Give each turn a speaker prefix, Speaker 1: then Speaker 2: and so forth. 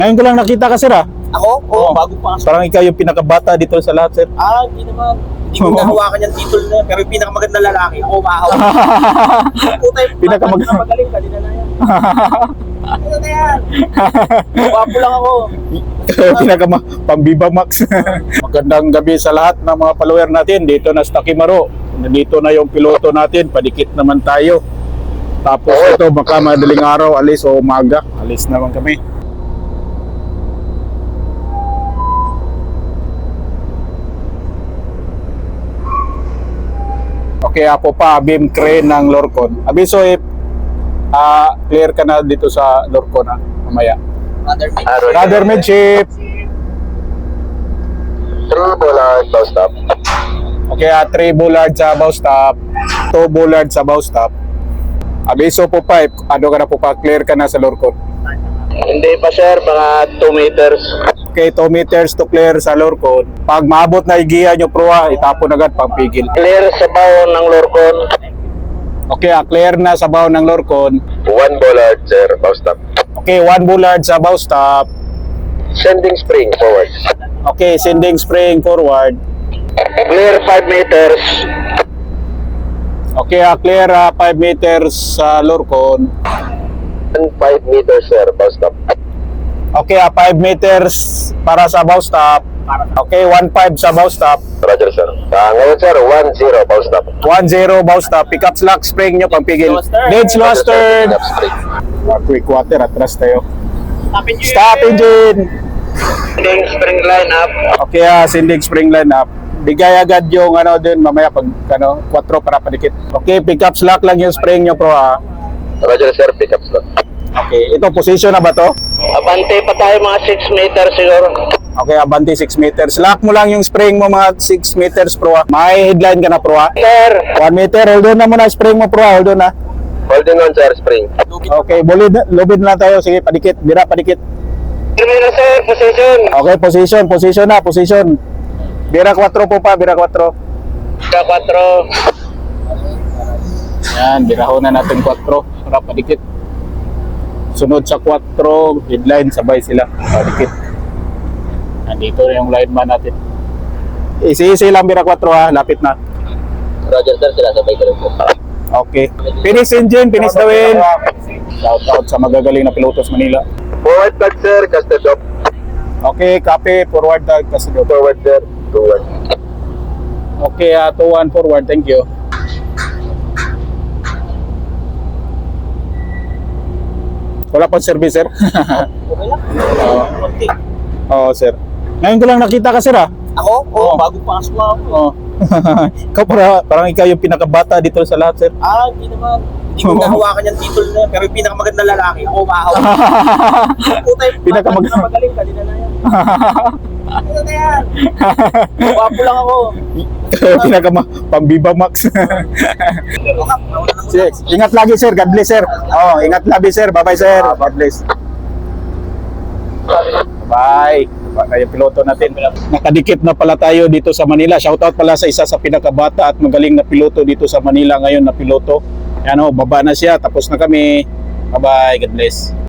Speaker 1: Ngayon ko lang nakita ka, sir, ah.
Speaker 2: Ako? Oo, bago pa.
Speaker 1: Parang ikaw yung pinakabata dito sa lahat, sir.
Speaker 2: Hindi naman. Hindi ko nahawakan yung title na yan. Pero yung pinakamagandang lalaki, ako mahawak. Putay, magaling ka, di na yan. Ano na yan? Wapo lang ako.
Speaker 1: Pambiba Max. Magandang gabi sa lahat ng mga follower natin. Dito na sa Takimaro. Nandito na yung piloto natin. Padikit naman tayo. Tapos ito, baka madaling araw, alis o umaga. Alis naman kami. Okay, ako pa, beam crane ng Lorcon. Abiso, clear ka na dito sa Lorcon, mamaya. Radar midship.
Speaker 3: 3 bullard, bow stop.
Speaker 1: Okay, 3 bullard sa bow stop, 2 bullard sa bow stop. Abiso po pa, ano ka na po pa, clear ka na sa Lorcon.
Speaker 3: Hindi pa sir, mga 2 meters.
Speaker 1: Okay, 2 meters to clear sa Lorcon. Pag maabot na igiya nyo proa, itapon agad pang pigil.
Speaker 3: Clear sa bow ng Lorcon.
Speaker 1: Okay, clear na sa bow ng Lorcon.
Speaker 3: 1 bullard sir, bow stop.
Speaker 1: Okay, 1 bullard sa bow stop.
Speaker 3: Sending spring forward.
Speaker 1: Okay, sending spring forward.
Speaker 3: Clear 5 meters.
Speaker 1: Okay, clear 5 meters sa Lorcon.
Speaker 3: 5 meters sir, bow stop.
Speaker 1: Okay, 5 meters para sa bow stop. Okay, 1.5 sa bow stop.
Speaker 3: Roger sir. Ngayon sir, 1-0 bow stop.
Speaker 1: 1-0 bow stop. Pick up slack, spring nyo pang pigil. Dead slow stern. Quick water, atras tayo. Stop engine.
Speaker 3: Sending spring line up.
Speaker 1: Okay, sending spring line up. Bigay agad yung ano din mamaya pag 4 para padikit. Okay, pick up slack lang yung spring nyo pro
Speaker 3: Roger sir, pick up slot.
Speaker 1: Okay, ito position na ba to?
Speaker 3: Abante pa tayo mga 6 meters siguro.
Speaker 1: Okay, abante 6 meters. Lock mo lang yung spring mo mga 6 meters pro. May headline ka na pro.
Speaker 3: Sir,
Speaker 1: 1 meter, hold on na muna spring mo pro. Hold on na.
Speaker 3: holding on sir, spring.
Speaker 1: Okay, lubid na lang tayo. Sige, padikit. Bira, padikit.
Speaker 3: Termino sir, position.
Speaker 1: Okay, position na, position. Bira 4 po pa, bira 4.
Speaker 3: Ka 4.
Speaker 1: Yan, birahon na natin 4 para padikit. Sunod sa 4, headline, sabay sila. Padikit. Nandito na yung lineman natin. Easy lang, bira 4 lapit na.
Speaker 3: Roger sir, sila sabay ka rin po.
Speaker 1: Okay. Finish engine, finish the wheel. Shout out sa magagaling na pilotos Manila.
Speaker 3: Forward tag sir, casted off.
Speaker 1: Okay, copy, forward tag, kasi
Speaker 3: Forward sir, 2-1.
Speaker 1: Okay, 2-1 forward, thank you. Wala pang service, sir.
Speaker 2: Okay lang. Konti.
Speaker 1: Oo, sir. Ngayon ko lang nakita ka, sir,
Speaker 2: Ako? Oo, bago pa ako.
Speaker 1: Oo. Ikaw parang ikaw yung pinakabata dito sa lahat, sir.
Speaker 2: Hindi naman. Hindi ko nahawakan yung title na yan. Pero yung pinakamagandang lalaki, ako mahawak. Putay, magaling ka, di na yan. Ano na yan? Wapo lang ako.
Speaker 1: Pambiba Max. Sige, ingat lagi, sir. God bless, sir. Ingat lagi, sir. Bye-bye, sir. God bless. Bye. Yung piloto natin. Nakadikit na pala tayo dito sa Manila. Shoutout pala sa isa sa pinakabata at magaling na piloto dito sa Manila ngayon na piloto. Yan baba na siya. Tapos na kami. Bye-bye. God bless.